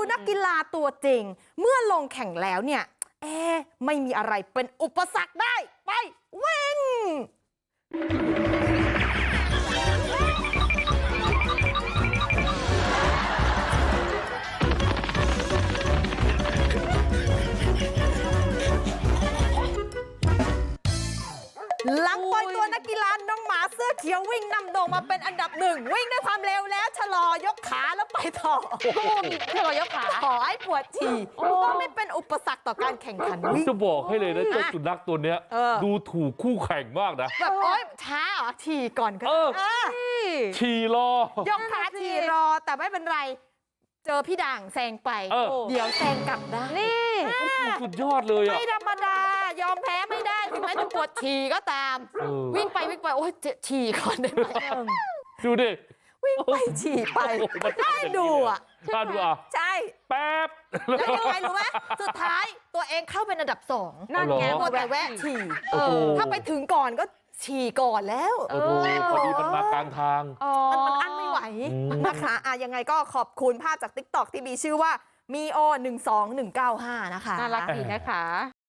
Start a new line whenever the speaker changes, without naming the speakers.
นักกีฬาตัวจริงเมื่อลงแข่งแล้วเนี่ยไม่มีอะไรเป็นอุปสรรคได้ไปวิ่งหลังปล่อยตัวนักกีฬาน้องหมาเสื้อเขียววิ่งนำโด่งมาเป็นอันดับหนึ่งวิ่งด้วยความเร็วแล้วชะลอยกขาแล้วไปต่อชะลอยกขาขอให้ปวดฉี่ก็ไม่เป็นอุปสรรคต่อการแข่งขันวิ่ง
จะบอกให้เลยนะเจ้าสุนัขตัวเนี้ยดูถูกคู่แข่งมากนะ
แบบโอ๊ยช้าเหรอฉี่ก่อนก็
ฉี่รอย
กขาฉี่รอแต่ไม่เป็นไรเจอพี่ด่างแซงไปเดี๋ยวแซงกลับได้นี่
สุดยอดเลยอ่ะ
ไม่ธรรมดายอมแพ้ไม่ได้ถึงแม้จะปวดฉี่ก็ตามวิ่งไปโอ๊ยฉี่ก่อนได้ไหม
ดูดิ
วิ่งไปฉี่ไปได้ดูอ่ะ
น่าดูอ่ะ
ใช่
แป๊บ
แล้วยังไงรู้ไหมสุดท้ายตัวเองเข้าเป็นอันดับ2นั่นไงมัวแต่แวะฉี่ถ้าไปถึงก่อนก็ฉี่ก่อนแล้ว
พอดีมันมากลางทาง
มันอั้นไม่ไหวนะคะยังไงก็ขอบคุณภาพจาก TikTok ที่มีชื่อว่า mio 12195นะคะ
น่ารักดีนะคะ